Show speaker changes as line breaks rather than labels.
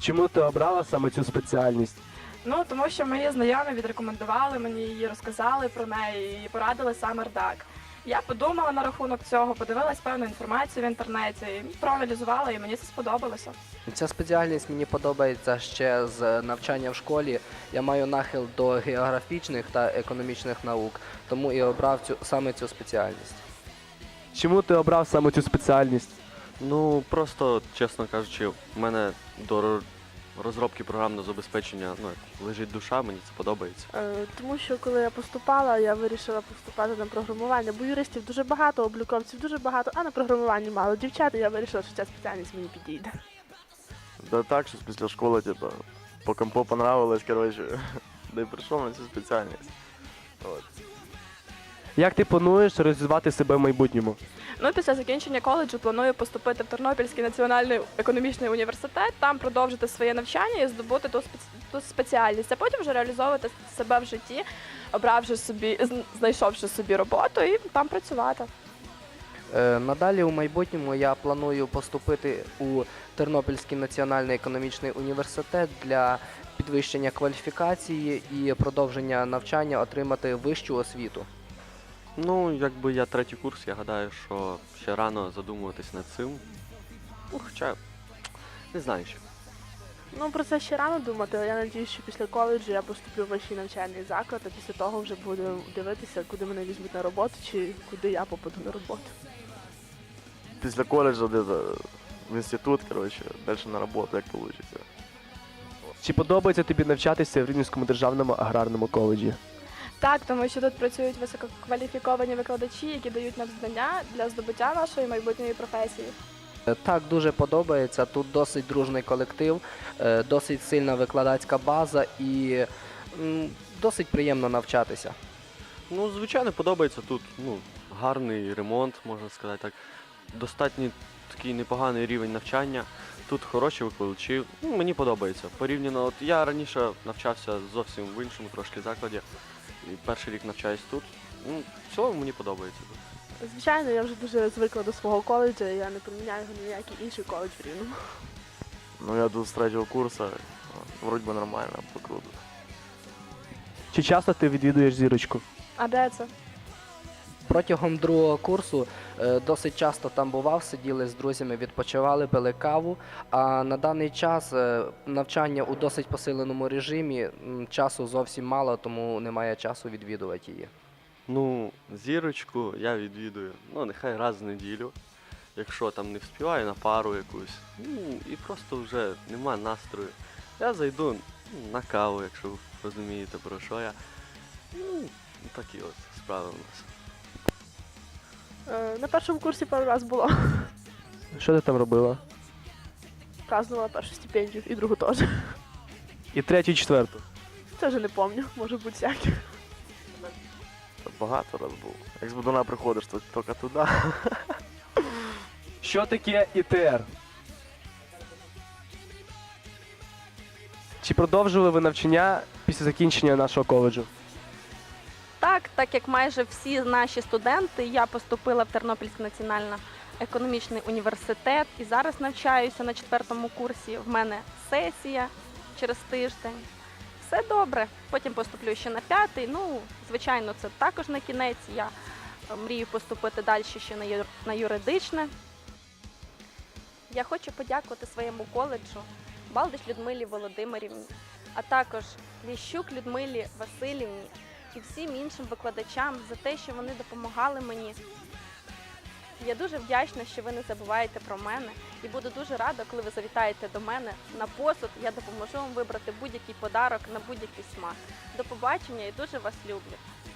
Чому ти обрала саме цю спеціальність?
Ну, тому що мої знайомі відрекомендували мені її, розказали про неї і порадили саме РДАК. Я подумала на рахунок цього, подивилась певну інформацію в інтернеті, і проаналізувала, і мені це сподобалося.
Ця спеціальність мені подобається ще з навчання в школі. Я маю нахил до географічних та економічних наук, тому і обрав саме цю спеціальність.
Чому ти обрав саме цю спеціальність?
Ну, просто, чесно кажучи, в мене до розробки програмного забезпечення лежить душа, мені це подобається.
Тому що коли я поступала, я вирішила поступати на програмування, бо юристів дуже багато, обліковців дуже багато, а на програмуванні мало дівчат, і я вирішила, що ця спеціальність мені підійде.
Да так, що після школи, типа, по компу понравилось, коротше, да й прийшов на цю спеціальність. От.
Як ти плануєш розвивати себе в майбутньому?
Ну, після закінчення коледжу планую поступити в Тернопільський національний економічний університет, там продовжити своє навчання і здобути ту спеціальність, а потім вже реалізовувати себе в житті, знайшовши собі роботу і там працювати.
Надалі у майбутньому я планую поступити у Тернопільський національний економічний університет для підвищення кваліфікації і продовження навчання, отримати вищу освіту.
Ну, якби я третій курс, я гадаю, що ще рано задумуватись над цим. Ну, хоча, не знаю ще.
Ну, про це ще рано думати, але я сподіваюся, що після коледжу я поступлю в вищий навчальний заклад, а після того вже буду дивитися, куди мене візьмуть на роботу, чи куди я попаду на роботу.
Після коледжу де-то в інститут, коротше, далі на роботу, як вийде.
Чи подобається тобі навчатися в Рівненському державному аграрному коледжі?
Так, тому що тут працюють висококваліфіковані викладачі, які дають нам знання для здобуття нашої майбутньої професії.
Так, дуже подобається. Тут досить дружний колектив, досить сильна викладацька база і досить приємно навчатися.
Ну, звичайно, подобається тут, гарний ремонт, можна сказати так. Достатньо такий непоганий рівень навчання. Тут хороші викладачі, мені подобається. Порівняно, от я раніше навчався зовсім в іншому трошки закладі. І перший рік навчаюсь тут. В цілому мені подобається тут.
Звичайно, я вже дуже звикла до свого коледжу, і я не поміняю його ні в який інший коледж в Рівному.
Ну, я тут з третього курсу, вроді би нормально, покруто.
Чи часто ти відвідуєш зірочку?
А де це?
Протягом другого курсу досить часто там бував, сиділи з друзями, відпочивали, пили каву, а на даний час навчання у досить посиленому режимі, часу зовсім мало, тому немає часу відвідувати її.
Ну, зірочку я відвідую, нехай раз в неділю, якщо там не вспіваю на пару якусь, і просто вже нема настрою. Я зайду на каву, якщо ви розумієте, про що я. Такі от справи у нас.
На першому курсі пару раз було.
Що ти там робила?
Празднувала першу стипендію і другу теж.
І третю, і четверту?
Це вже не пам'ятаю, може бути всяке.
Багато раз був. Як з Будуна приходиш, то тільки туди.
Що таке ІТР? Чи продовжили ви навчання після закінчення нашого коледжу?
Так як майже всі наші студенти, я поступила в Тернопільський національний економічний університет і зараз навчаюся на 4-му курсі. В мене сесія через тиждень. Все добре. Потім поступлю ще на 5-й. Звичайно, це також не кінець. Я мрію поступити далі ще на юридичне. Я хочу подякувати своєму коледжу Балдич Людмилі Володимирівні, а також Ліщук Людмилі Васильівні і всім іншим викладачам за те, що вони допомагали мені. Я дуже вдячна, що ви не забуваєте про мене і буду дуже рада, коли ви завітаєте до мене на посуд. Я допоможу вам вибрати будь-який подарок на будь-який смак. До побачення і дуже вас люблю.